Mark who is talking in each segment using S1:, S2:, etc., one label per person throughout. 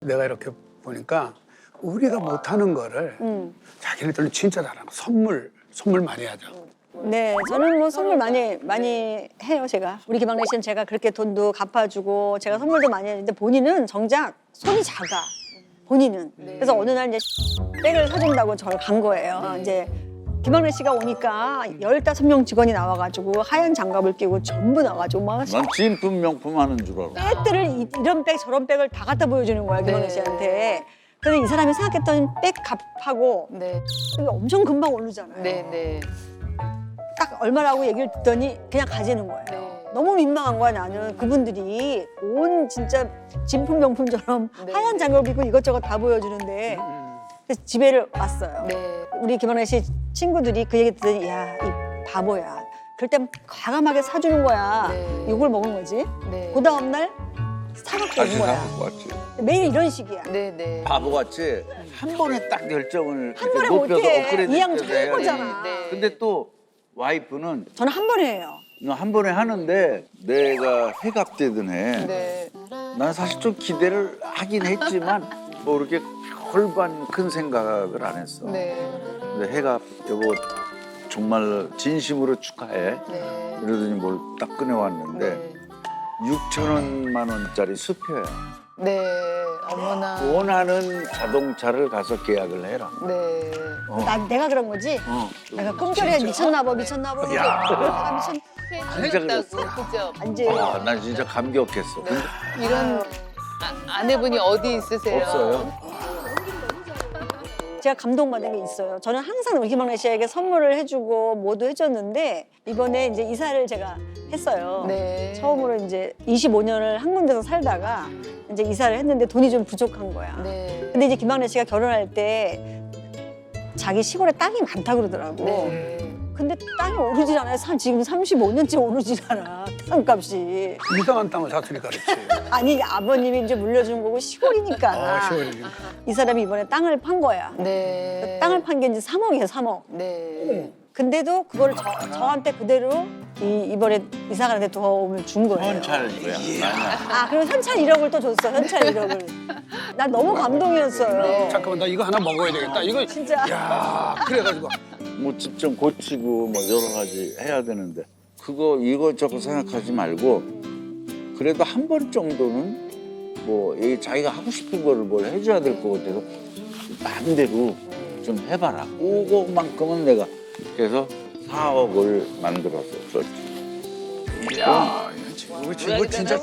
S1: 내가 이렇게 보니까 우리가 못하는 거를 자기네들은 진짜 잘하는 거. 선물 많이 하죠.
S2: 네, 저는 뭐 선물 많이 해요, 제가. 우리 김학래 씨는 제가 그렇게 돈도 갚아주고 제가 선물도 많이 했는데 본인은 정작 손이 작아. 본인은. 그래서 어느 날 이제 백을 사준다고 저를 간 거예요. 이제 김학래 씨가 오니까 15명 직원이 나와가지고 하얀 장갑을 끼고 전부 나와가지고 막
S3: 난 진품 명품 하는 줄 알아.
S2: 백들을 이런 백 저런 백을 다 갖다 보여주는 거야, 김학래 씨한테. 근데 이 사람이 생각했던 백 값하고
S4: 네.
S2: 이게 엄청 금방 오르잖아요.
S4: 네.
S2: 딱 얼마라고 얘기를 듣더니 그냥 가지는 거예요.
S4: 네.
S2: 너무 민망한 거야, 나는. 그분들이 온 진짜 진품 명품처럼
S4: 네.
S2: 하얀 장갑을 입고 이것저것 다 보여주는데 그래서 집에를 왔어요.
S4: 네.
S2: 우리 김학래 씨 친구들이 그 얘기 듣더니 야, 이 바보야. 그럴 땐 과감하게 사주는 거야.
S4: 네.
S2: 욕을 먹은 거지.
S4: 네.
S2: 그 다음날 사갖고
S3: 다시
S2: 온 거야.
S3: 사갖고 왔지.
S2: 매일 이런 식이야.
S4: 네.
S3: 바보같이 한 번에 딱 결정을
S2: 한 번에
S3: 높여서
S2: 못해.
S3: 업그레이드
S2: 이양
S3: 시켜서 해야지.
S2: 최고잖아.
S4: 네.
S3: 근데 또 와이프는
S2: 저는 한 번에 해요.
S3: 한 번에 하는데 내가 회갑되던 해.
S4: 네.
S3: 난 사실 좀 기대를 하긴 했지만 뭐 이렇게 별반 큰 생각을 안 했어.
S4: 네.
S3: 근데 해갑 여보 정말 진심으로 축하해.
S4: 네.
S3: 이러더니 뭘 딱 꺼내왔는데 6천만 원짜리 수표야.
S4: 네. 어머나.
S3: 원하는 자동차를 가서 계약을 해라.
S4: 네.
S2: 내가 그런 거지? 내가 꿈결에 미쳤나 봐. 내가 미쳤...
S4: 해주겠다고 그죠?
S2: 안지.
S3: 난 진짜 감격했어. 근데
S4: 이런 아내분이 어디 있으세요?
S3: 없어요.
S2: 제가 감동받은 게 있어요. 저는 항상 우리 김학래 씨에게 선물을 해주고 뭐도 해줬는데 이번에 이제 이사를 제가 했어요.
S4: 네.
S2: 처음으로 이제 25년을 한 군데서 살다가 이제 이사를 했는데 돈이 좀 부족한 거야.
S4: 네.
S2: 근데 이제 김학래 씨가 결혼할 때 자기 시골에 땅이 많다고 그러더라고.
S4: 네.
S2: 근데 땅이 오르질 않아요. 지금 35년째 오르질 않아. 땅값이.
S1: 이상한 땅을 샀으니까 그렇지.
S2: 아니 아버님이 이제 물려준 거고 시골이니까.
S1: 시골이니까.
S2: 이 사람이 이번에 땅을 판 거야.
S4: 네.
S2: 땅을 판 게 이제 3억이에요, 3억.
S4: 네.
S2: 근데도 그걸 저한테 그대로 이번에 이사 가는데 도움을 준 거예요.
S3: 현찰 이거야. 아니야.
S2: 아, 그리고 현찰 1억을 또 줬어, 현찰 1억을. 난 너무 감동이었어요.
S1: 잠깐만 나 이거 하나 먹어야 되겠다. 이거
S2: 진짜.
S1: 야 그래가지고
S3: 뭐 집 좀 고치고 뭐 여러 가지 해야 되는데 그거 이것저것 생각하지 말고 그래도 한 번 정도는 뭐 자기가 하고 싶은 거를 뭘 해줘야 될 것 같아서 마음대로 좀 해봐라. 그거만큼은 내가 그래서 4억을 만들어서 줬지.
S1: 야 이 친구 진짜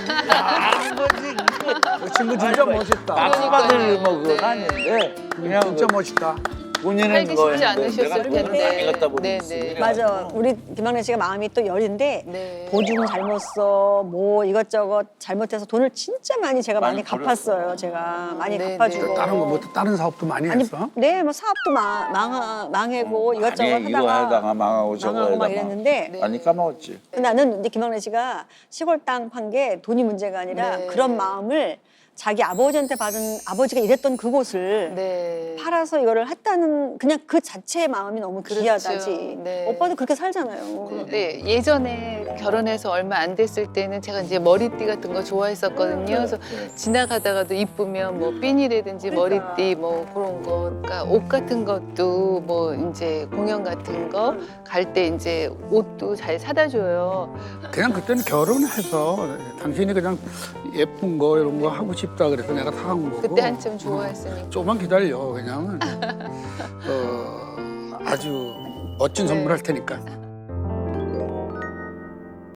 S1: 이 친구 진짜 멋있다.
S3: 막 받을 뭐 그건 아닌데 그냥
S1: 진짜 멋있다.
S3: 본인은
S4: 살기
S3: 뭐
S4: 쉽지
S3: 했는데
S4: 않으셨을
S3: 내가 돈을
S4: 텐데.
S3: 많이 갖다
S4: 네,
S3: 보냈으니
S4: 네.
S2: 맞아. 우리 김학래 씨가 마음이 또 여린데
S4: 네.
S2: 보증 잘못 써, 뭐 이것저것 잘못해서 돈을 진짜 많이 제가 많이
S3: 많이
S2: 갚았어요. 제가 많이
S4: 네,
S2: 갚아주고.
S4: 네.
S1: 다른 거 뭐 다른 사업도 많이
S2: 아니,
S1: 했어?
S2: 네, 뭐 사업도 망하고 이것저것
S3: 아니, 이거
S2: 하다가
S3: 하다가 망하고 저거
S2: 망하고 막
S3: 하다가
S2: 이랬는데
S4: 네.
S3: 많이 까먹었지.
S2: 나는 이제 김학래 씨가 시골 땅 판 게 돈이 문제가 아니라
S4: 네.
S2: 그런 마음을 자기 아버지한테 받은 아버지가 일했던 그곳을
S4: 네.
S2: 팔아서 이거를 했다는 그냥 그 자체의 마음이 너무
S4: 그렇죠.
S2: 귀하다지.
S4: 네.
S2: 오빠도 그렇게 살잖아요.
S4: 네, 예전에 결혼해서 얼마 안 됐을 때는 제가 이제 머리띠 같은 거 좋아했었거든요. 그래서 지나가다가도 이쁘면 뭐 핀이라든지
S2: 그러니까.
S4: 머리띠 뭐 그런 거, 그러니까 옷 같은 것도 뭐 이제 공연 같은 거 갈 때 이제 옷도 잘 사다 줘요.
S1: 그냥 그때는 결혼해서 당신이 그냥 예쁜 거 이런 거 하고 싶다 그래서 내가 사간 거고.
S4: 그때 한참 좋아했으니까.
S1: 조금만 기다려 그냥 아주 멋진 선물 할 테니까.